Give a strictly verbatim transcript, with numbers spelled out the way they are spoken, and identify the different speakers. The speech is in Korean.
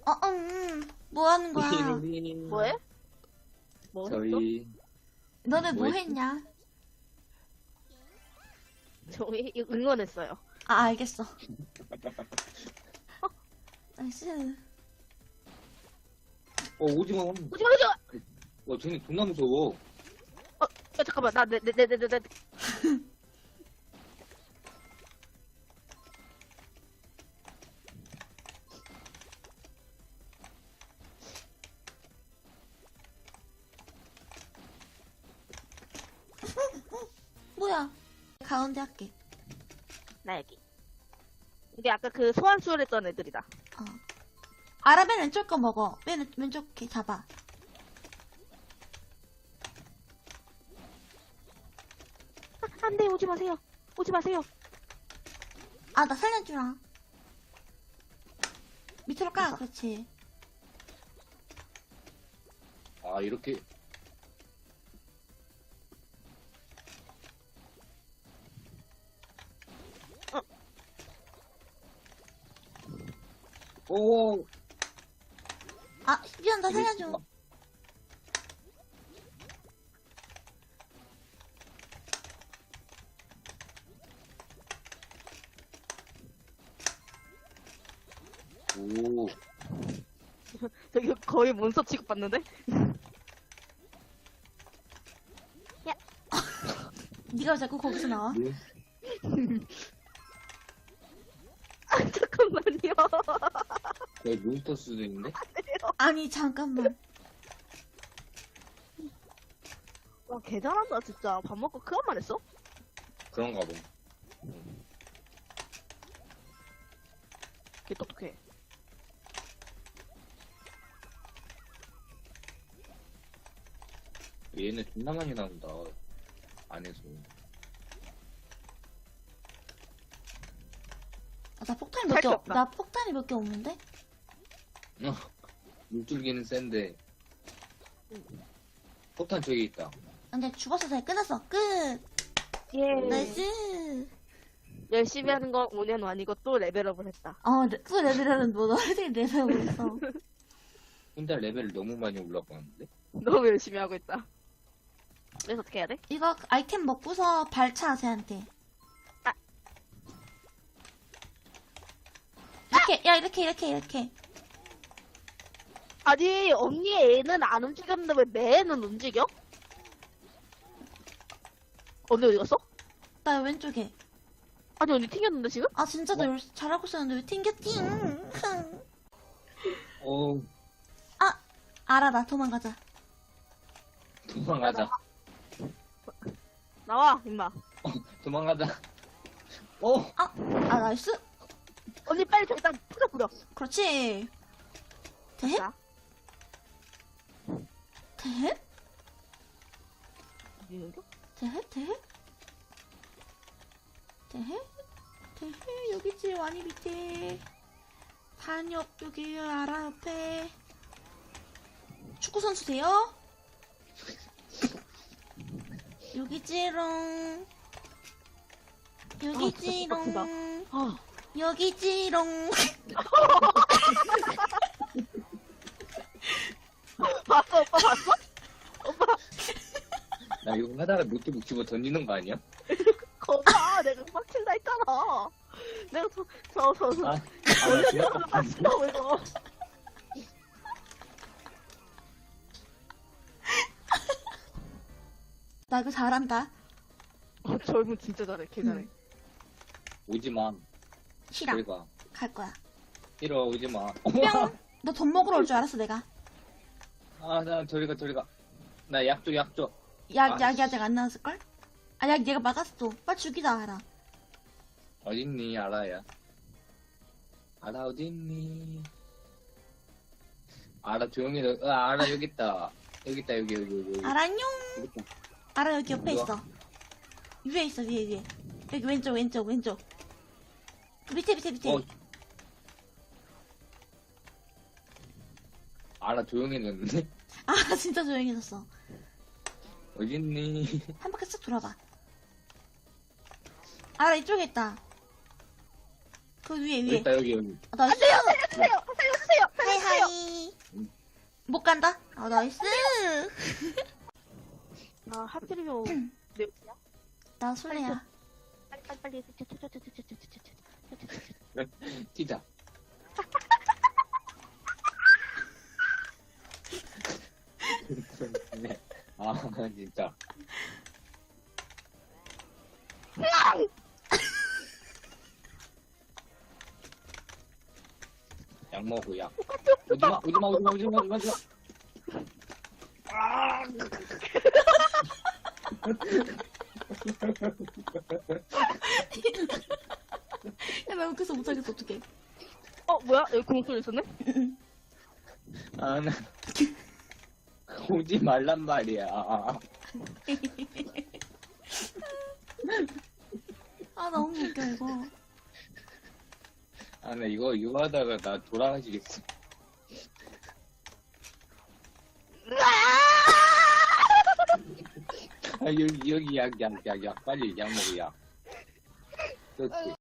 Speaker 1: 어, 음, 뭐 하는 거야?
Speaker 2: 뭐해? 뭐 했어?
Speaker 3: 저희
Speaker 1: 너네 뭐
Speaker 3: 뭐했지?
Speaker 1: 했냐?
Speaker 2: 저희 응원했어요.
Speaker 1: 아, 알겠어. 나이스.
Speaker 3: 어 오징어
Speaker 2: 오지마 오지마!
Speaker 3: 와 쟤네 존나 무서워.
Speaker 2: 야 잠깐만 나 내 내 내 내 내
Speaker 1: 뭐야? 가운데 할게.
Speaker 2: 나 여기. 이게 아까 그 소환 수혈했던 애들이다.
Speaker 1: 어. 아라 맨 왼쪽 거 먹어. 맨 왼쪽 게 잡아.
Speaker 2: 아, 안돼 오지 마세요. 오지 마세요.
Speaker 1: 아, 나 살려주라. 밑으로 까. 그렇지.
Speaker 3: 아 이렇게 오
Speaker 1: 아, 미안, 나 살려줘.
Speaker 3: 오
Speaker 2: 저기 거의 몬스터 취급받는데?
Speaker 1: 네가 왜 자꾸 거기서 나와?
Speaker 3: 네?
Speaker 2: 아 잠깐만요.
Speaker 3: 거의 몬스터 수준인데?
Speaker 1: 아니, 잠깐만.
Speaker 2: 와 개잘한다 진짜. 밥 먹고 그것만 했어?
Speaker 3: 그런가 봐.
Speaker 2: 개 똑똑해.
Speaker 3: 얘네 존나 많이 나온다 안에서.
Speaker 1: 아, 나 폭탄이 몇
Speaker 2: 살
Speaker 1: 개,
Speaker 2: 게
Speaker 1: 없,
Speaker 2: 없다.
Speaker 1: 나 폭탄이 몇 개 없는데?
Speaker 3: 물줄기는 센데 폭탄 저기 있다.
Speaker 1: 근데 죽었어, 잘 끝났어. 끝!
Speaker 2: 예.
Speaker 1: 나이스!
Speaker 2: 열심히 하는 건 오 년 아니고 또 레벨업을 했다.
Speaker 1: 어, 레- 또 레벨은 뭐, 너희들이 레벨하고 있어.
Speaker 3: 혼자 레벨 너무 많이 올라가는데?
Speaker 2: 너무 열심히 하고 있다. 그래서 어떻게 해야 돼?
Speaker 1: 이거 아이템 먹고서 발차, 쟤한테.
Speaker 2: 아.
Speaker 1: 이렇게, 야, 이렇게, 이렇게, 이렇게.
Speaker 2: 아니 언니 애는 안 움직였는데 왜 내 애는 움직여? 언니 어디 갔어?
Speaker 1: 나 왼쪽에.
Speaker 2: 아니 언니 튕겼는데 지금?
Speaker 1: 아, 진짜 너 열- 잘하고 있었는데 왜 튕겼지?
Speaker 3: 어
Speaker 1: 아, 알아, 나 도망가자.
Speaker 3: 도망가자.
Speaker 2: 나와 임마.
Speaker 3: 도망가자. 어
Speaker 1: 아, 아, 나이스?
Speaker 2: 언니 빨리 저 일단 뿌려 뿌려.
Speaker 1: 그렇지. 대해?
Speaker 2: 자.
Speaker 1: 대해?
Speaker 2: 이거?
Speaker 1: 대해? 대해? 대해? 대해? 여기지, 와니 밑에. 단역, 여기, 알아, 옆에. 축구선수세요? 여기지롱. 여기지롱.
Speaker 2: 아,
Speaker 1: 여기지롱.
Speaker 2: 봤어 오빠 봤어?
Speaker 3: 나 이거 하다가 노트북 집어 던지는 거 아니야?
Speaker 2: 거봐 내가 빡친다 했잖아. 내가 저저저
Speaker 3: 아, 아, 나 지나가 봤어.
Speaker 2: 빡친다고 이거.
Speaker 1: 나 이거 잘한다.
Speaker 2: 어, 젊은 진짜 잘해 개 잘해.
Speaker 1: 응.
Speaker 3: 오지 마.
Speaker 1: 싫어.
Speaker 3: 저리 가.
Speaker 1: 갈 거야.
Speaker 3: 싫어, 오지 마.
Speaker 1: 뿅! 너 돈 먹으러 올 줄 알았어, 내가.
Speaker 3: 아, 나 저리 가, 저리 가. 나 약 줘, 약 줘.
Speaker 1: 약,
Speaker 3: 아,
Speaker 1: 약이 아직 안 나왔을걸? 아, 약 얘가 막았어. 빨리 죽이자, 알아.
Speaker 3: 어딨니, 알아야. 알아, 어딨니. 알아, 조용히, 너, 어, 알아, 여기 있다. 여기 있다, 여기, 여기, 여기. 여기.
Speaker 1: 알아, 안녕!
Speaker 3: 여기 있다.
Speaker 1: 알아, 여기 옆에
Speaker 3: 뭐야?
Speaker 1: 있어. 위에 있어, 위에, 위에. 여기 왼쪽, 왼쪽, 왼쪽. 그 밑에, 밑에, 밑에.
Speaker 3: 어. 알아, 조용해졌는데?
Speaker 1: 아, 진짜 조용해졌어.
Speaker 3: 어딨니.
Speaker 1: 한 바퀴 쓱 돌아봐. 알아, 이쪽에 있다. 그 위에,
Speaker 3: 여기
Speaker 1: 위에.
Speaker 3: 있다, 여기, 여기.
Speaker 1: 아, 나
Speaker 2: 안돼요 살려주세요 살려주세요 살려주세요.
Speaker 1: 하이 하이. 못 간다. 아 나이스.
Speaker 2: 아, 하필이면 몇 개야?
Speaker 1: 나 술래야.
Speaker 2: 빨리 빨리 빨리.
Speaker 3: 뛰자. 네. 아, 진짜. 약 먹고 약. 오지마, 오지마, 오지마, 오지마, 오지마, 오지마. 아!
Speaker 1: 야나 웃겨서 못하겠어 어떡해.
Speaker 2: 어, 뭐야? 여기 공소리 있었네?
Speaker 3: 아, 나. 오지 말란 말이야.
Speaker 1: 아 너무 웃겨 이거.
Speaker 3: 아, 나 이거, 이거 하다가 나 돌아가시겠어. 아, 여기, 여기 약, 약, 약, 약. 빨리 약 먹어, 약. 그렇지.